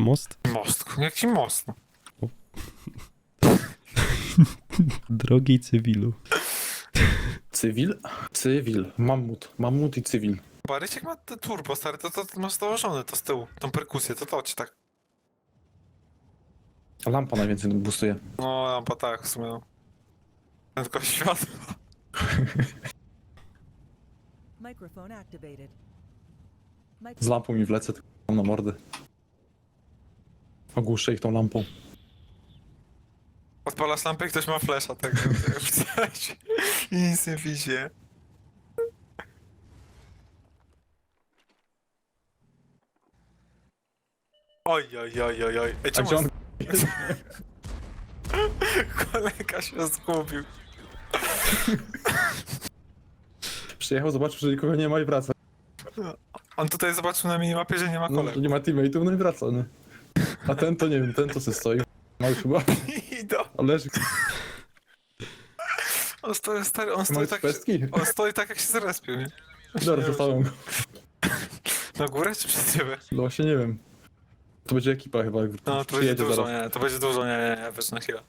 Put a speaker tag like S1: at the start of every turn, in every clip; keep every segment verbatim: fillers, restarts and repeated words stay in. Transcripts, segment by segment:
S1: Most?
S2: Most. Jaki most?
S1: Drogi cywilu.
S3: Cywil? Cywil. Mammut. Mammut i cywil.
S2: Baryciek ma te turbo, stary, to, to, to masz założone to z tyłu. Tą perkusję, to to ci tak.
S3: Lampa najwięcej boostuje.
S2: No, lampa tak, w sumie. No. Tylko światło.
S4: Microphone activated.
S3: Z lampą mi wlecę, tylko mam na mordę. Ogłuszę ich tą lampą.
S2: Odpalasz lampę i ktoś ma flesza, tak. Widać. I nic nie widzi. Oj, oj, oj, oj, oj. Ej,
S3: A
S2: czemu
S3: gdzie on?
S2: kolega się zgubił?
S3: Przyjechał, zobaczył, że nikogo nie ma i wraca.
S2: On tutaj zobaczył na minimapie, że nie ma
S3: No,
S2: kolegów.
S3: że nie ma teammate'ów, no i wraca, nie? A ten to nie wiem, ten to se stoi. Ma już chyba.
S2: Idą.
S3: A leży.
S2: On stoi, stary, on
S3: Ma
S2: stoi
S3: już
S2: tak,
S3: pestki?
S2: on stoi tak jak się zrespił, nie?
S3: Dobra, zostałem go.
S2: Na górę czy przed ciebie?
S3: No właśnie nie wiem. To będzie ekipa chyba, jak
S2: No, to będzie
S3: przyjedzie
S2: dużo,
S3: zaraz.
S2: nie, to będzie dużo, nie, nie, nie, wiesz, na chwilę.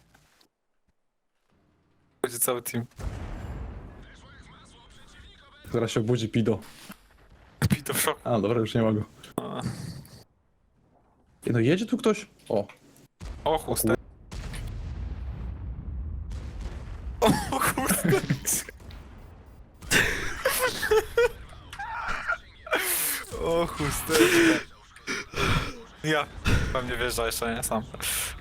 S2: Będzie cały team.
S3: Zaraz się obudzi Pido.
S2: Pito w szoku.
S3: A, dobra, już nie ma go.
S2: A.
S3: Ej, no jedzie tu ktoś? O,
S2: O chustę. O kurde. O chusteczka. Ja. Pewnie wjeżdża jeszcze, nie sam.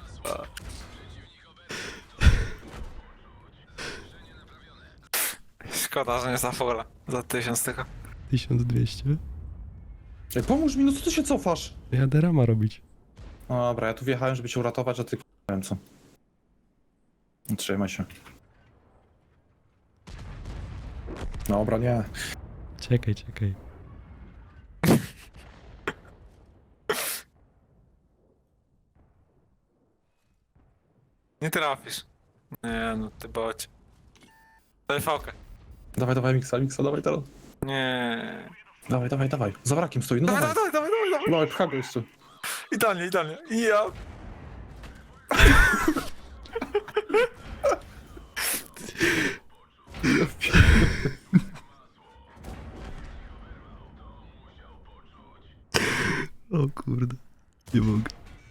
S2: Szkoda, że nie za fola. Za tysiąc tylko.
S1: tysiąc dwieście.
S3: Ej, pomóż mi, no co ty się cofasz?
S1: Jadę rama robić.
S3: No dobra, ja tu wjechałem, żeby cię uratować, a ty k***, wiem co. No, trzymaj się. Dobra, nie.
S1: Czekaj, czekaj.
S2: Nie trafisz. Nie no, ty bocie. Daj fałkę.
S3: Dawaj, dawaj, miksa, miksa, dawaj teraz.
S2: Nie.
S3: Dawaj, dawaj, dawaj. Za wrakiem stoi, no
S2: Dawaj,
S3: dawaj.
S2: dawaj, dawaj, dawaj, dawaj.
S3: Dawaj, pcha go jeszcze.
S2: Idealnie, idealnie. I ja.
S1: O kurde. Nie mogę.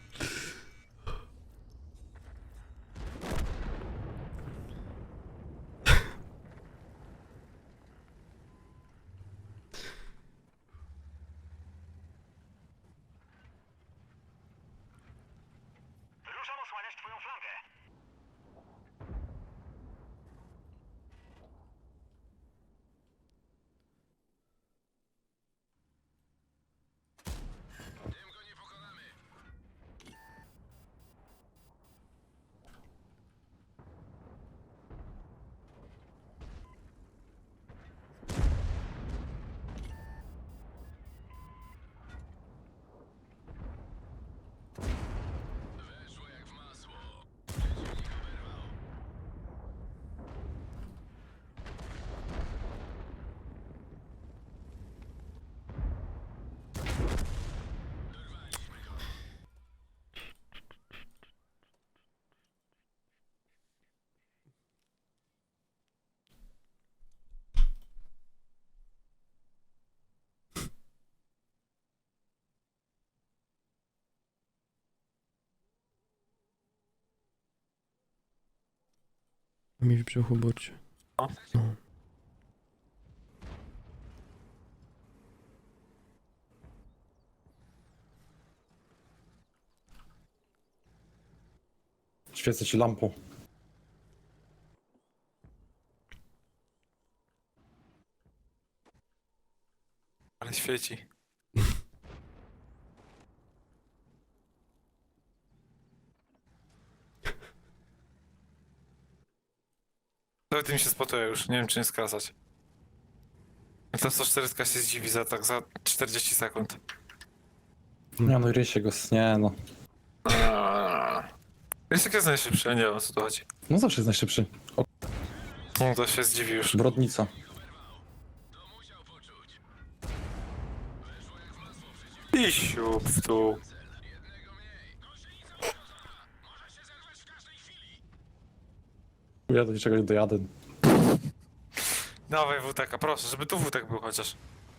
S1: A mi w brzuchu burczy.
S2: O.
S1: No.
S3: Świecę ci lampą.
S2: Ale świeci. To tym się spotuje już, nie wiem czy nie skazać. Ta sto czterdzieści się zdziwi za tak za czterdzieści sekund.
S3: Nie no, rysie go, nie no.
S2: Jest jak jest najszybszy, ja nie wiem o co tu chodzi.
S3: No zawsze jest najszybszy. O,
S2: No to się zdziwi już.
S3: brodnica.
S2: I siup w tu.
S3: Ja do niczego nie dojadę.
S2: Dawaj W T K, proszę, żeby tu W T K był chociaż.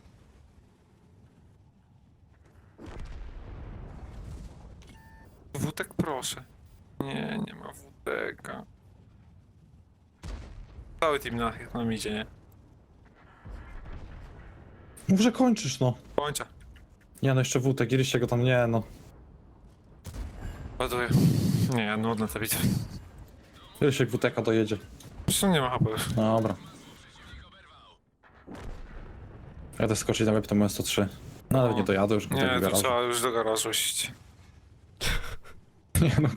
S2: W T K proszę. Nie, nie ma W T K. Cały team na, na idzie, nie?
S3: Mów, że kończysz, no.
S2: Kończę.
S3: Nie no, jeszcze wódek, kiedyś go tam, nie no.
S2: Ładuję. Nie, nudna ta bitwa.
S3: Kiedyś jak W T K dojedzie.
S2: Zresztą nie ma H P już.
S3: No dobra. Jadę skoczyć na web, to moje sto trzy. No ale
S2: O.
S3: nie dojadę już. do tego
S2: Nie, to
S3: garażu.
S2: trzeba już do garażu iść.
S3: Nie no.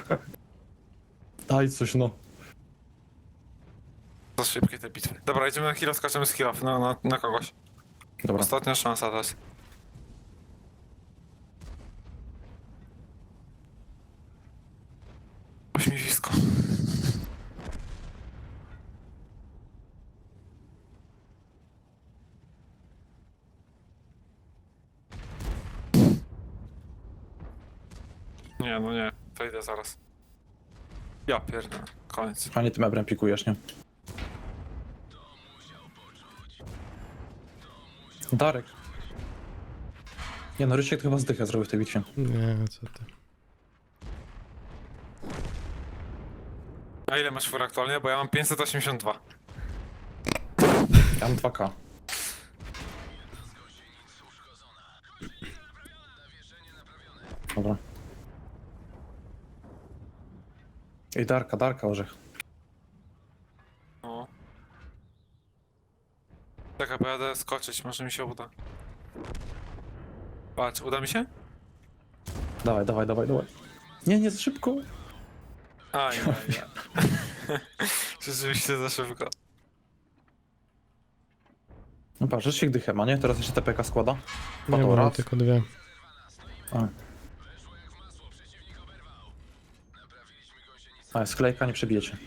S3: Daj coś, no.
S2: Za szybkie te bitwy. Dobra, idziemy na kill, skaczemy z kill na, na, na kogoś.
S3: Dobra.
S2: Ostatnia szansa teraz. Ośmiewisko. Nie, no nie, to idę zaraz. Ja pierdolę, koniec.
S3: Fajnie tym ebrem pikujesz, nie? Darek. Nie no, Rysiek chyba zdychę zrobił w tej bitwie.
S1: Nie, co ty.
S2: A ile masz fur aktualnie? Bo ja mam pięćset osiemdziesiąt dwa.
S3: Ja mam dwa K. Dobra. Ej, Darka, Darka, orzech.
S2: No. Czekaj, bo jadę skoczyć, może mi się uda. Patrz, uda mi się?
S3: Dawaj, dawaj, dawaj, dawaj. Nie, nie, za szybko.
S2: A, nie, nie. Rzeczywiście za szybko.
S3: No patrz, Rysiek dychę ma, nie? Teraz jeszcze T P K składa.
S1: Nie,
S3: Pato
S1: bo mam
S3: raz.
S1: tylko dwie.
S3: A. A, sklejka nie przebijecie.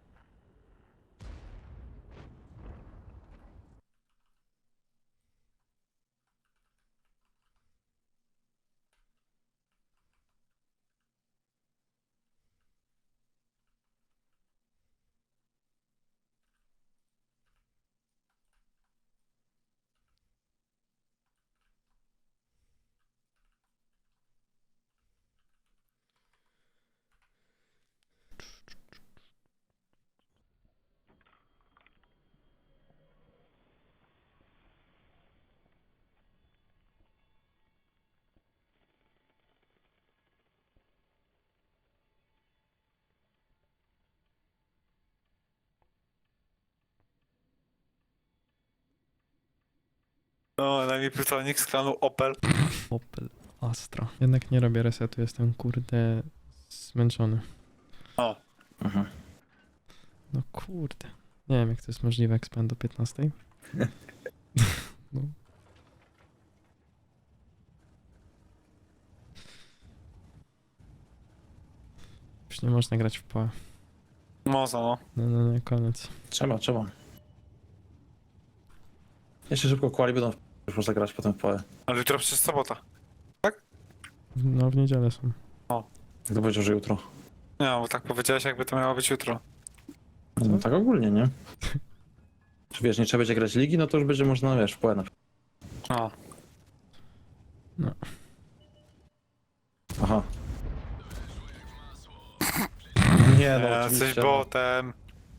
S2: No, na mi pytanie z klanu Opel.
S1: Opel Astra. Jednak nie robię resetu, jestem kurde zmęczony.
S2: O.
S3: Mhm.
S1: No kurde. Nie wiem jak to jest możliwe, jak spędzę do piętnastej. No. Już nie można grać w P O E.
S2: Można, no.
S1: No, no, no, koniec.
S3: Trzeba, trzeba. Jeszcze szybko kwali będą już można grać potem w P O E.
S2: Ale jutro przecież sobota.
S1: No w niedzielę są.
S3: Kto powiedział, że jutro?
S2: Nie, bo tak powiedziałeś, jakby to miało być jutro.
S3: No, tak ogólnie, nie? Czy wiesz, nie trzeba będzie grać ligi, no to już będzie można, wiesz, w P O E na
S2: O.
S1: No.
S3: Aha. Nie no,
S2: Ja
S3: oczywiście.
S2: jesteś botem.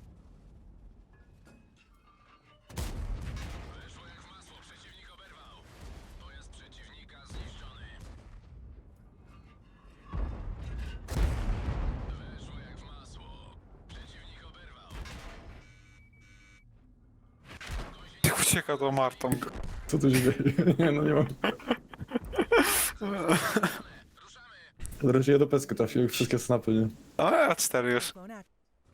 S2: Jak ucieka do Martą.
S3: Co tu się dzieje? Nie no, nie mam. Wreszcie ja do pesky trafiłem, wszystkie snapy, nie?
S2: A ja cztery już.
S4: Phone act-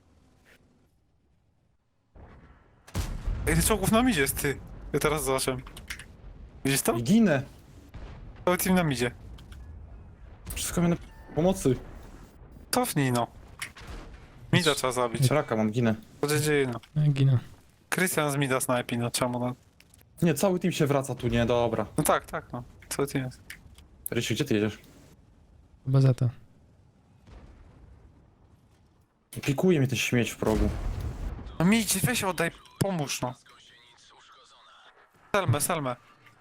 S2: Ej, czołgów na midzie jest, ty. Ja teraz zobaczę. Widzisz to?
S3: I ginę!
S2: Cały team na midzie.
S3: Wszystko mnie na pomocy.
S2: Cofnij, no. Mida trzeba zabić.
S3: Raka mam, ginę.
S2: Co się dzieje, no.
S1: Ja ginę.
S2: Krystian z mida snajpi, no czemu, no.
S3: Nie, cały team się wraca tu, nie? Dobra.
S2: No tak, tak, no. Cały team jest.
S3: Rysiu, gdzie ty jedziesz?
S1: Bazeta.
S3: Pikuje mnie ten śmieć w progu.
S2: No mi idzie, weź oddaj, pomóż no. Selmę, selmę.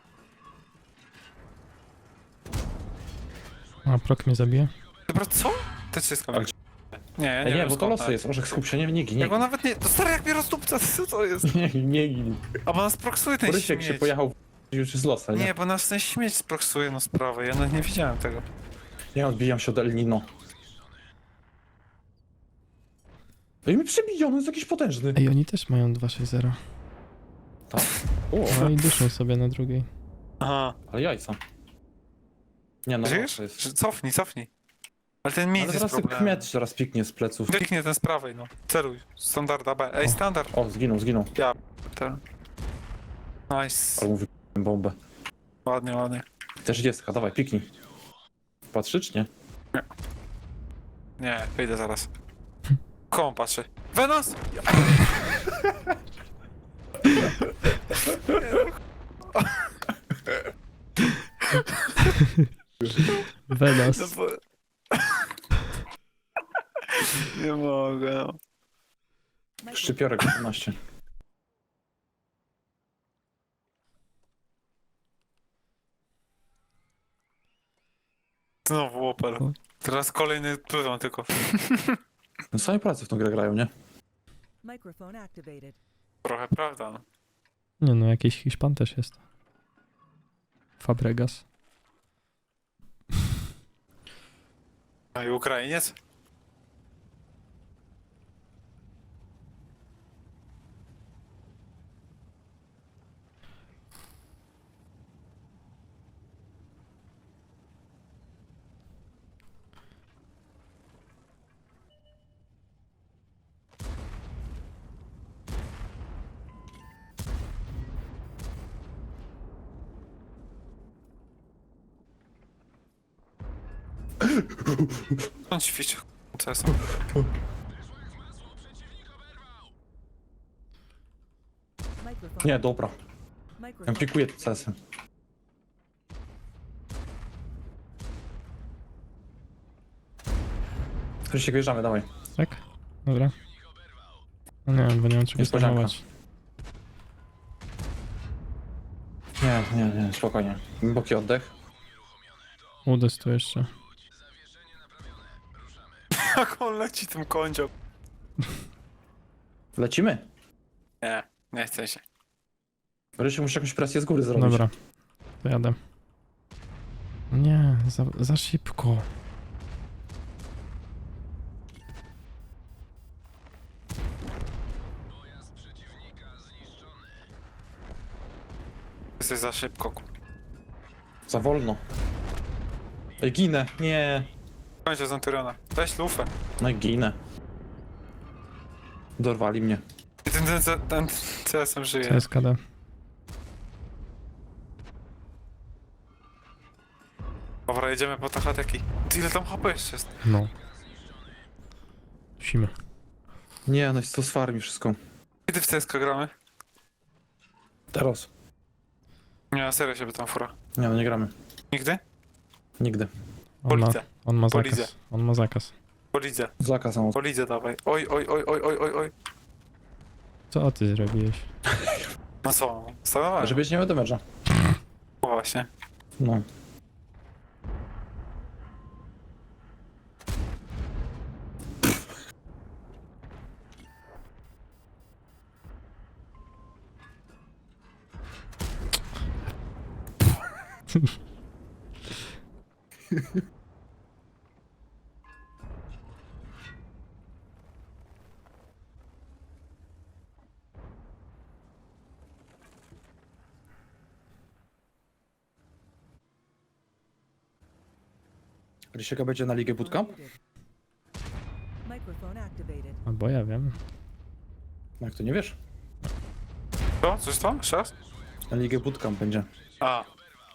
S1: A, prok mnie zabije.
S2: Dobra, co? Te wszystko.
S3: Ale-
S2: Nie, ja
S3: Ej,
S2: nie,
S3: nie,
S2: wiem,
S3: bo to
S2: skąd,
S3: losy
S2: tak.
S3: jest. Orzech, skup się, nie, nie, nie, nie.
S2: Ja go nawet nie... To stary, jak mnie rozdupca, co to jest?
S3: Nie, nie, nie.
S2: A bo nas proksuje ten
S3: Borysiek
S2: śmieć.
S3: się pojechał w... już jest losa, nie?
S2: Nie, bo nas ten śmieć sproksuje no sprawę, ja nawet nie widziałem tego.
S3: Nie odbijam się od El Nino. Ej, mi przebiją, on jest jakiś potężny.
S1: Ej, oni też mają dwa sześć zero.
S3: Tak. O,
S1: No i duszą sobie na drugiej.
S2: Aha.
S3: ale jajca. Nie no,
S2: Żyjesz?
S3: to jest...
S2: Że- Cofnij, cofnij. Ale ten mit
S3: Ale
S2: jest
S3: zaraz ten
S2: problemem.
S3: kmiet zaraz piknie z pleców.
S2: Kliknie ten z prawej, no. Celuj. Standard A B. Ej,
S3: O.
S2: standard.
S3: O, zginął, zginął.
S2: Ten. Nice.
S3: Ale mówię bombę.
S2: Ładnie, ładnie.
S3: Też dziecka, dawaj, piknij. Patrzy czy nie?
S2: Nie, wyjdę zaraz. Komu patrzy? Venos!
S1: Venas.
S2: No bo... Nie mogę, no.
S4: Microphone
S3: Szczypiorek osiemnaście.
S2: Znowu Opel. Teraz kolejny pluton tylko.
S3: No same pracy w tą grę grają, nie?
S4: Microphone activated.
S2: Trochę prawda, no.
S1: Nie no, jakiś Hiszpan też jest. Fabregas.
S2: A i Ukrainiec? On ćwiczy. Co jest?
S4: Microphone.
S3: Nie, dobra. Ja
S4: Microphone.
S3: pikuję te C S-y. Krzysiek, wjeżdżamy, dawaj.
S1: Tak? Dobra. No nie wiem, bo nie mam czego
S3: Niespodzianka.
S1: spamować.
S3: Nie, nie, nie, spokojnie. Głęboki oddech.
S1: Udes tu jeszcze.
S2: Jak on leci tym kądzią?
S3: Lecimy?
S2: Nie, nie chcę się.
S3: Rysiu, muszę jakąś presję z góry zrobić.
S1: Dobra. To jadę. Nie, za, za szybko.
S2: Jesteś za szybko. ku-
S3: Za wolno. Ej, ginę. Nie.
S2: Kończę Centuriona. Weź lufę.
S3: No i ginę. Dorwali mnie.
S2: I ten, ten, ten, ten C S-em żyje.
S1: C S K D.
S2: Dobra, jedziemy po te hateki. Ty, ile tam H P jeszcze jest?
S1: No. Musimy.
S3: Nie, no jest to z farmi wszystko.
S2: Kiedy w C S K gramy?
S3: Teraz.
S2: Nie, na serio się by tam fura.
S3: Nie, no nie gramy.
S2: Nigdy?
S3: Nigdy.
S1: On ma,
S2: Polidze.
S1: on ma
S2: Polidze.
S1: zakaz. On ma zakaz.
S2: Po lidze.
S3: Zakaz sam.
S2: Po lidze dawaj. Oj, oj, oj, oj, oj, oj, oj.
S1: Co ty zrobiłeś?
S2: No co? Stanowałem.
S3: Żebyś nie miał damage'a.
S2: Właśnie.
S3: No. Rysieka będzie na Ligę Bootcamp?
S4: Muted. Microphone activated.
S1: Albo ja wiem.
S3: No jak to nie wiesz?
S2: Co? Coś tam? Jeszcze raz?
S3: Na Ligę Bootcamp będzie.
S2: A.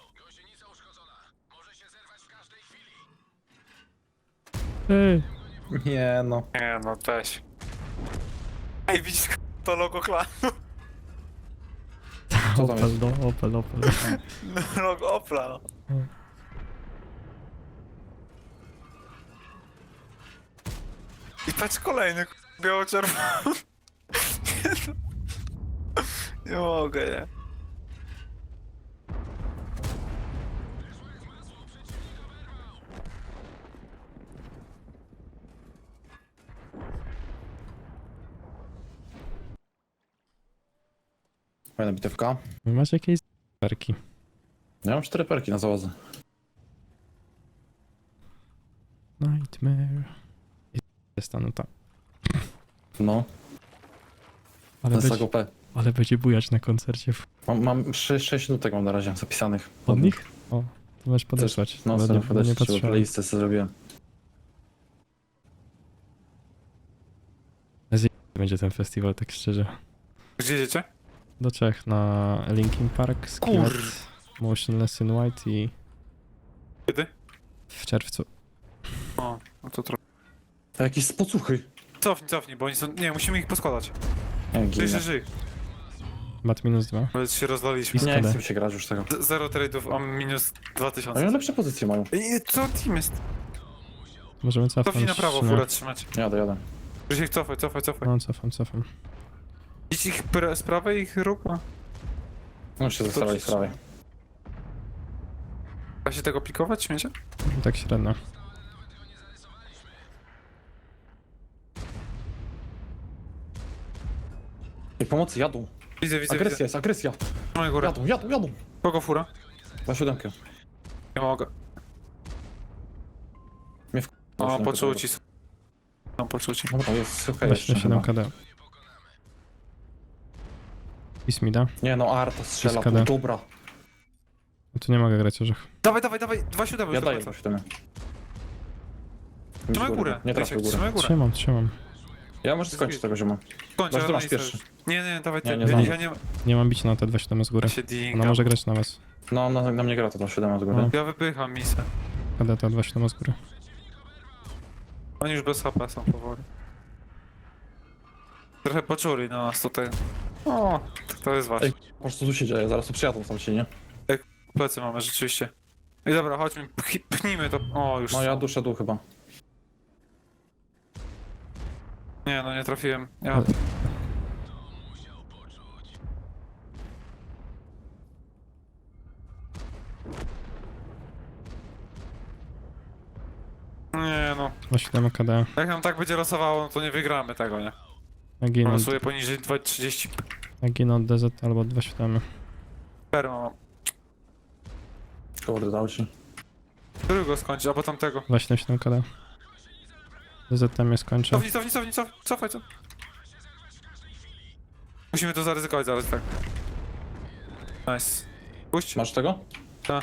S1: Ej,
S3: Nie no.
S2: Nie no, weź. Ej, widzisz to logo klanu?
S3: Co tam jest?
S1: Opel, no, Opel, Opel.
S2: Logo Opla, no. I Patrz kolejny, biało-czerwony. Nie, no. Nie mogę, nie.
S3: Fajna bitewka.
S1: Wy macie jakieś perki.
S3: Ja mam cztery perki na załodze.
S1: Nightmare. Jest ta nuta.
S3: No,
S1: Ale
S3: to jest
S1: będzie,
S3: tak O P.
S1: ale będzie bujać na koncercie. w-
S3: Mam, mam sześć nutek mam na razie zapisanych.
S1: Od nich? O, to możesz podesłać.
S3: No,
S1: ale
S3: sobie
S1: nie, bo nie
S3: podejście, bo
S1: patrzyłem.
S3: playlistę sobie zrobiłem.
S1: Będzie ten festiwal, tak szczerze.
S2: Gdzie jedziecie?
S1: Do Czech na Linkin Park, Skillet, Motionless in White i
S2: Kiedy?
S1: w czerwcu.
S2: O, no to trochę.
S3: A jakieś spocuchy.
S2: Cofnij, cofnij, bo oni są... Nie, musimy ich poskładać.
S3: Nie,
S2: Żyj,
S3: ginę.
S2: żyj, żyj.
S1: Mat minus dwa.
S2: Bo się rozlaliśmy.
S1: I
S3: Nie
S1: Skoda.
S3: chcę mi się grać już tego.
S2: Z- Zero trade'ów, a minus dwa
S3: Oni
S2: tysiące.
S3: lepsze pozycje mają.
S2: I co team jest?
S1: Możemy cofnąć.
S2: Cofnij na prawo,
S1: czy nie?
S2: furę trzymać.
S3: Jadę, jadę.
S2: Już ich cofaj, cofaj, cofaj.
S1: No, cofam, cofam.
S2: Idź ich pre- z prawej, ich rób. a-
S3: No się zostawili z prawej.
S2: Da się tego pikować, śmiecie?
S1: Tak średnio.
S3: I pomocy, jadą.
S2: Widzę, widzę,
S3: Agresja
S2: widzę.
S3: jest, agresja.
S2: Trzymaj górę.
S3: Jadą, jadą, jadą.
S2: Kogo fura?
S3: Za siódemkę.
S2: Nie mogę.
S3: Mnie w...
S2: O, poczuł ci. No, poczuł ci.
S3: No to jest okej
S1: Weźmy
S3: jeszcze
S1: siedem
S3: chyba.
S1: K D. I Smida.
S3: Nie no, Arta strzela,
S1: Jest K D.
S3: tu, dobra.
S1: No tu nie mogę grać orzech.
S2: Dawaj, dawaj, dawaj, dwa siódemy
S3: Ja
S2: już do
S3: daję
S2: końca.
S3: do siódemy.
S2: Trzymaj górę.
S3: Nie trafię
S2: Rysiek,
S3: górę.
S2: Trzymaj górę.
S1: Trzymam, trzymam.
S3: Ja może skończę tego zioma.
S2: Kończę,
S3: Masz,
S2: ale
S3: ty masz
S2: nie
S3: pierwszy.
S2: chcesz. Nie, nie, dawaj,
S3: Nie,
S2: ty.
S3: nie
S2: ja,
S3: znam.
S2: ja nie
S1: Nie mam bić na te dwa siedem z góry.
S2: ja się
S1: Ona
S2: dinga.
S1: może grać na was.
S3: No, na, na mnie gra to ta siódema do góry.
S1: No.
S2: Ja wypycham misę.
S1: K D to dwa siedem z góry.
S2: Oni już bez H P są powoli. Trochę poczuli na nas tutaj. O, to jest ważne.
S3: Ej. Po prostu tu się dzieje, zaraz tu przyjadą tam się, nie?
S2: Plecy mamy rzeczywiście. I dobra, chodźmy, pch- pchnijmy to. O, już.
S3: No ja duszę dół chyba.
S2: Nie, no nie trafiłem. Ja...
S1: Ale-
S2: Nie no.
S1: dwa siedem K D.
S2: Jak nam tak będzie losowało, no to nie wygramy tego, nie?
S1: Ja ginę, od-
S2: Losuję poniżej dwa trzydzieści.
S1: ja ginę od D Z albo dwa siedem.
S2: Perma mam.
S3: Kurde, dał ci.
S2: Którego skończyć, albo tamtego.
S1: dwa siedem siedem K D. D Z tam jest kończę.
S2: Cofnij, cofnij, cofnij, cofnij, cofaj, cofaj. Musimy to zaryzykować zaraz, tak. Nice. Puść.
S3: Masz tego?
S2: Tak.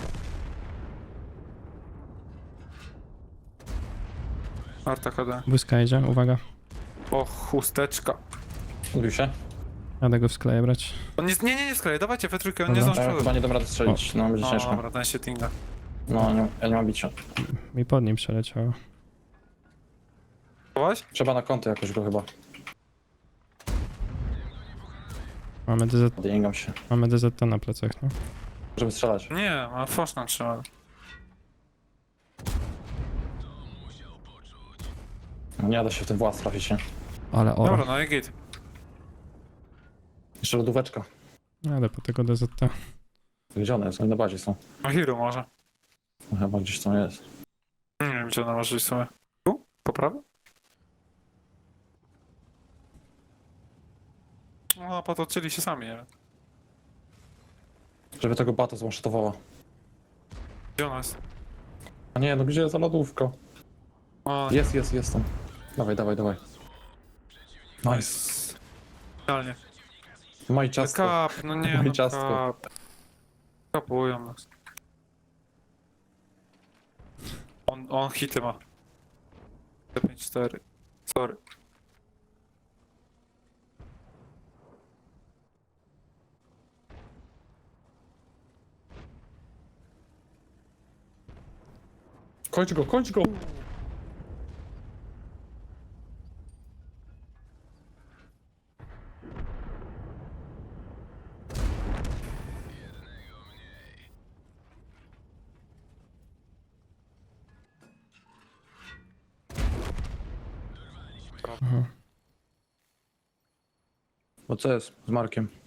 S2: Arta K D.
S1: Błyska jedzie, uwaga.
S2: O, chusteczka.
S3: Ubił się?
S1: Jadę go w skleję brać.
S2: On nie, nie, nie, nie sklej, dawajcie we trójkę, on nie
S1: Dobra.
S2: zdąży
S3: Ja
S2: przodu.
S3: chyba nie dam rady strzelić, no będzie
S2: No
S3: ciężko.
S2: dobra, ten się tinga.
S3: No, nie, ja nie mam bicia.
S1: Mi pod nim przeleciało.
S2: Chować?
S3: Trzeba na kąty jakoś go chyba.
S1: Mamy D Z,
S3: Odjęgam się.
S1: mamy D Z T na plecach, no.
S3: Żeby strzelać.
S2: Nie, ma fosz nam trzyma.
S3: No, nie da się w ten włas trafić, nie?
S1: Ale oro.
S2: Dobra, no i git.
S3: Jeszcze lodóweczka.
S1: Jadę po tego D Z T.
S3: Gdzie one są? Na bazie są.
S2: No Hero może.
S3: No, chyba gdzieś tam jest.
S2: Nie wiem, gdzie ona może iść sobie. Tu? Po prawo? No, potoczyli się sami, nie wiem.
S3: Żeby tego bata zmasztowała.
S2: Gdzie ona jest?
S3: A nie, no gdzie za lodówka?
S2: O,
S3: Jest, jest, jest tam. Dawaj, dawaj, dawaj. Nice.
S2: nice. Idealnie.
S3: Maj ciasto.
S2: Kap, no nie,
S3: Moje
S2: no
S3: ciastko.
S2: kap. Kapują nas. On, on hity ma. pięć cztery. Sorry.
S3: Kończ go, kończ go!
S2: prawo.
S1: Aha.
S3: Bo co jest z Markiem?